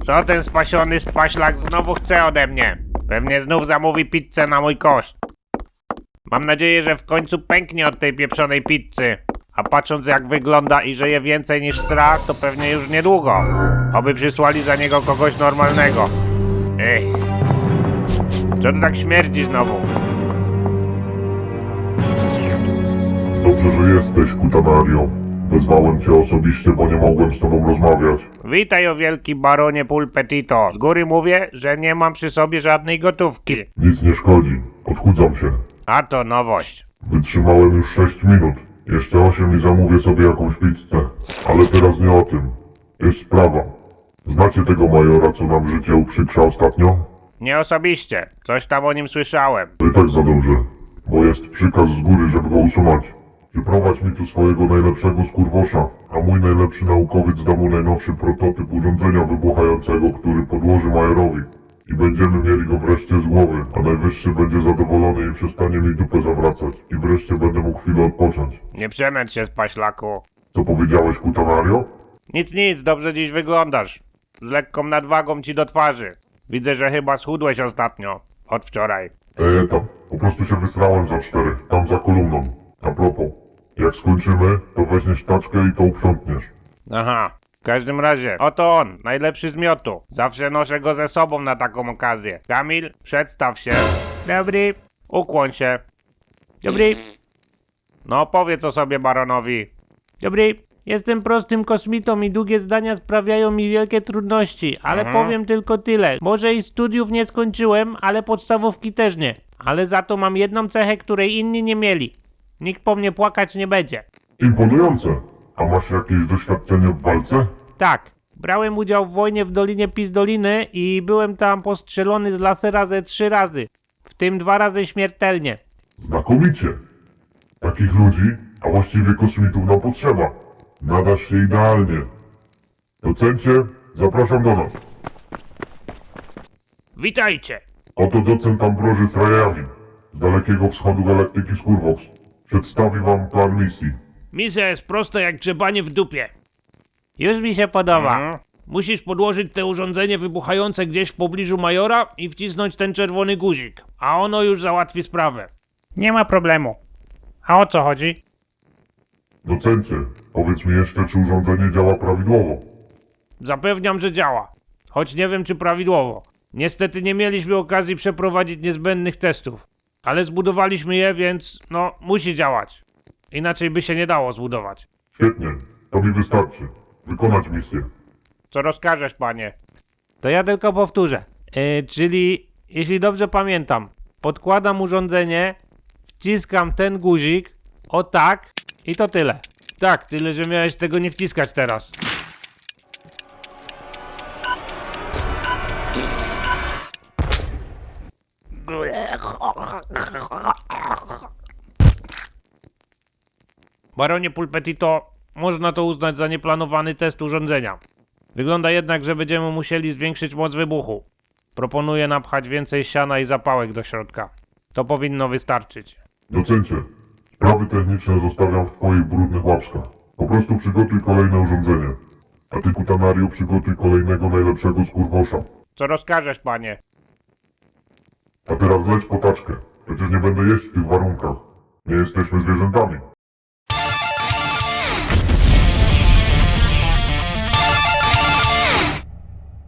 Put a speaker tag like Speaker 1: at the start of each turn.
Speaker 1: Co ten spasiony spaślak znowu chce ode mnie? Pewnie znów zamówi pizzę na mój koszt. Mam nadzieję, że w końcu pęknie od tej pieprzonej pizzy. A patrząc jak wygląda i że je więcej niż sra, to pewnie już niedługo. Oby przysłali za niego kogoś normalnego. Ech. Co to tak śmierdzi znowu?
Speaker 2: Dobrze, że jesteś, Kutanario. Wezwałem cię osobiście, bo nie mogłem z tobą rozmawiać.
Speaker 1: Witaj, o wielki baronie Pulpetito. Z góry mówię, że nie mam przy sobie żadnej gotówki.
Speaker 2: Nic nie szkodzi. Odchudzam się.
Speaker 1: A to nowość.
Speaker 2: Wytrzymałem już 6 minut. Jeszcze 8 i zamówię sobie jakąś pizzę. Ale teraz nie o tym. Jest sprawa. Znacie tego majora, co nam życie uprzykrza ostatnio?
Speaker 1: Nie osobiście. Coś tam o nim słyszałem.
Speaker 2: To i tak za dobrze. Bo jest przykaz z góry, żeby go usunąć. Przyprowadź mi tu swojego najlepszego skurwosza, a mój najlepszy naukowiec da mu najnowszy prototyp urządzenia wybuchającego, który podłoży majorowi. I będziemy mieli go wreszcie z głowy, a najwyższy będzie zadowolony i przestanie mi dupę zawracać. I wreszcie będę mógł chwilę odpocząć.
Speaker 1: Nie przemęcz się, spaślaku.
Speaker 2: Co powiedziałeś, Kutanario?
Speaker 1: Nic, dobrze dziś wyglądasz. Z lekką nadwagą ci do twarzy. Widzę, że chyba schudłeś ostatnio. Od wczoraj.
Speaker 2: Tam. Po prostu się wysrałem za 4, tam za kolumną. A propos, jak skończymy, to weźmiesz taczkę i to uprzątniesz.
Speaker 1: Aha. W każdym razie, oto on, najlepszy z miotu. Zawsze noszę go ze sobą na taką okazję. Kamil, przedstaw się. Dobry. Ukłoń się. Dobry. No, powiedz o sobie baronowi. Dobry. Jestem prostym kosmitą i długie zdania sprawiają mi wielkie trudności, ale powiem tylko tyle. Może i studiów nie skończyłem, ale podstawówki też nie. Ale za to mam jedną cechę, której inni nie mieli. Nikt po mnie płakać nie będzie.
Speaker 2: Imponujące. A masz jakieś doświadczenie w walce?
Speaker 1: Tak, brałem udział w wojnie w Dolinie Pizdoliny i byłem tam postrzelony z lasera ze 3 razy. W tym 2 razy śmiertelnie.
Speaker 2: Znakomicie. Takich ludzi, a właściwie kosmitów nam potrzeba. Nadasz się idealnie. Docencie, zapraszam do nas.
Speaker 1: Witajcie!
Speaker 2: Oto docent Ambroży Srajamin z dalekiego wschodu galaktyki Skurwox. Przedstawi wam plan misji.
Speaker 1: Misja jest prosta jak grzebanie w dupie. Już mi się podoba. Musisz podłożyć te urządzenie wybuchające gdzieś w pobliżu majora i wcisnąć ten czerwony guzik, a ono już załatwi sprawę. Nie ma problemu. A o co chodzi?
Speaker 2: Docencie, powiedz mi jeszcze, czy urządzenie działa prawidłowo.
Speaker 1: Zapewniam, że działa. Choć nie wiem, czy prawidłowo. Niestety nie mieliśmy okazji przeprowadzić niezbędnych testów. Ale zbudowaliśmy je, więc no, musi działać. Inaczej by się nie dało zbudować.
Speaker 2: Świetnie, to mi wystarczy. Wykonać misję.
Speaker 1: Co rozkażesz, panie? To ja tylko powtórzę. Czyli, jeśli dobrze pamiętam, podkładam urządzenie, wciskam ten guzik, o tak, i to tyle. Tak, tyle, że miałeś tego nie wciskać teraz. Baronie Pulpetito, można to uznać za nieplanowany test urządzenia. Wygląda jednak, że będziemy musieli zwiększyć moc wybuchu. Proponuję napchać więcej siana i zapałek do środka. To powinno wystarczyć.
Speaker 2: Docencie, sprawy techniczne zostawiam w twoich brudnych łapskach. Po prostu przygotuj kolejne urządzenie. A ty, Kutanario, przygotuj kolejnego najlepszego skurwosza.
Speaker 1: Co rozkażesz, panie?
Speaker 2: A teraz leć po taczkę. Przecież nie będę jeść w tych warunkach. Nie jesteśmy zwierzętami.